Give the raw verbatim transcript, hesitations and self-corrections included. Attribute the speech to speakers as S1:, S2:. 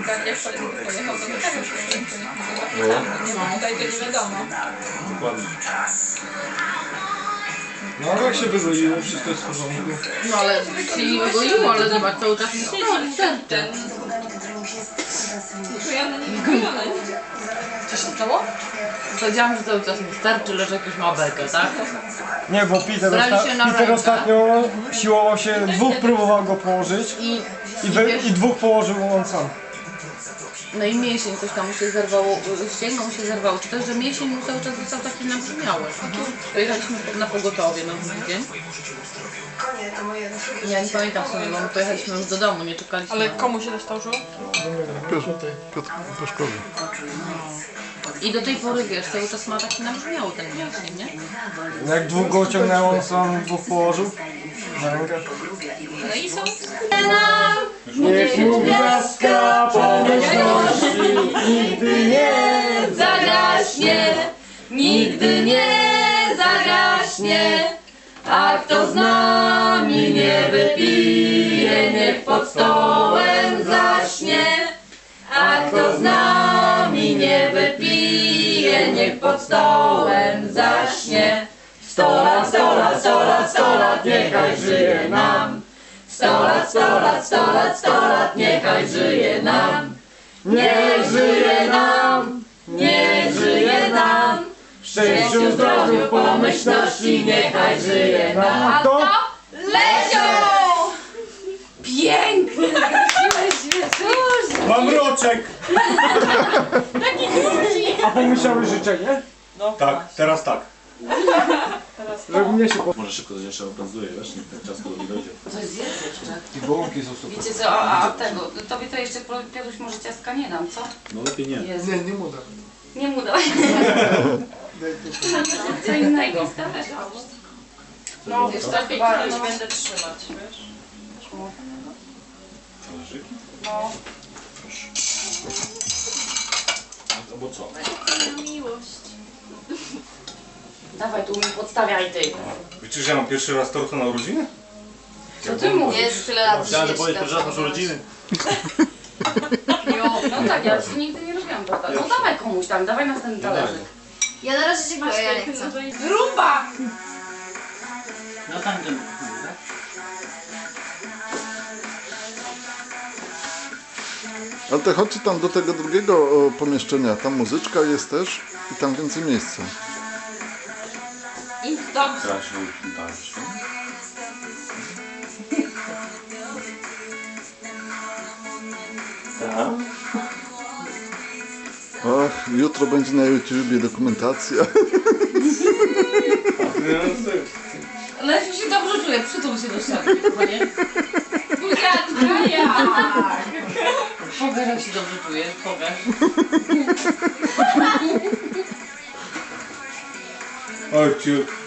S1: tak jak pojechał, to tak już nie ma. Tutaj to nie wiadomo.
S2: Dokładnie. No ale jak się wygoiło, wszystko jest w porządku.
S3: No ale się nie wygoiło, ale zobacz, cały czas nie siedzi. Ten, ten.
S1: Czujemy na nim wyglądać.
S3: Co się stało? Powiedziałam, że cały czas mi starczy, lecz jakiś ma bekę, tak?
S2: Nie, bo Peter,
S3: Brali
S2: osta
S3: się na
S2: Peter
S3: rękę.
S2: ostatnio siłował się, dwóch próbował go położyć
S3: I,
S2: i, wy
S3: wiesz,
S2: i dwóch położył on sam.
S3: no i mięsień coś tam mu się zerwało, ścięgno mu się zerwało, czy też, że mięsień mu cały czas został taki nabrzmiały. Pojechaliśmy na pogotowie na drugi dzień. Ja nie pamiętam w sumie, bo my pojechaliśmy już do domu, nie czekaliśmy.
S1: Ale komu się dostał żółw?
S4: Piotr, Piotr Peszkowy.
S3: I do tej pory, wiesz, cały czas ma taki nabrzmiały ten mięsień, nie?
S2: Jak dwóch go ciągnęło, on sam dwóch położył na rękę.
S1: No i są.
S2: Niech mu gwiazdka pomyślności nigdy nie
S3: Zagaśnie, nigdy nie zagaśnie, a kto z nami nie wypije, niech pod stołem zaśnie. A kto z nami nie wypije, niech pod stołem zaśnie. Sto lat, sto lat, sto lat, sto lat, niechaj żyje nam. Sto lat, sto lat, sto lat, sto lat, niechaj żyje nam. Niech żyje nam, niech żyje nam. W szczęściu, zdrowiu, pomyślności, niechaj żyje nam.
S2: A to?
S3: Lesio! Piękny!
S2: Mam mroczek! A pomyślały życzenie?
S5: Tak, teraz tak.
S2: Żeby mnie się po...
S5: Może szybko to jeszcze opracuje, wiesz, niech ten czas nie dojdzie.
S3: Coś zjedz jeszcze.
S2: I gołąbki są super.
S3: Wiecie co, a, a tego, tobie to jeszcze Piotruś może ciastka nie dam, co?
S5: No lepiej nie.
S3: Jezu.
S2: Nie, nie mu dam.
S3: Nie mu daj. Co innego.
S1: No,
S3: Wiesz,
S1: lepiej
S3: chyba
S1: nie
S3: no.
S1: będę trzymać, wiesz?
S5: Talerzyki?
S1: No.
S5: Albo co?
S3: Dawaj tu mi podstawiaj ty.
S5: Wiecie, że ja mam pierwszy raz torta na urodziny?
S3: Co ty mówisz?
S6: Jest tyle lat
S5: Chciałem to
S6: życia,
S5: powiedzieć pierwszy raz na
S6: tak.
S5: urodziny.
S3: Jo, no tak, ja jeszcze nigdy nie robiłam torta. No dawaj komuś tam, dawaj następny talerzyk.
S6: Ja na razie się boję, ja nie chcę.
S3: Rumba!
S7: No tam ten.
S4: Ale to chodźcie tam do tego drugiego o, pomieszczenia. Tam muzyczka jest też i tam więcej miejsca.
S3: I dobrze.
S5: Teraz się udarzy. Tak?
S4: Ach, jutro będzie na YouTubie dokumentacja.
S3: Lesiu się dobrze czuje, przytul się do ściany, kochanie. Buziaczka, jak? Pokaż, jak się dobrze czuje, pokaż.
S5: Oj, ciut.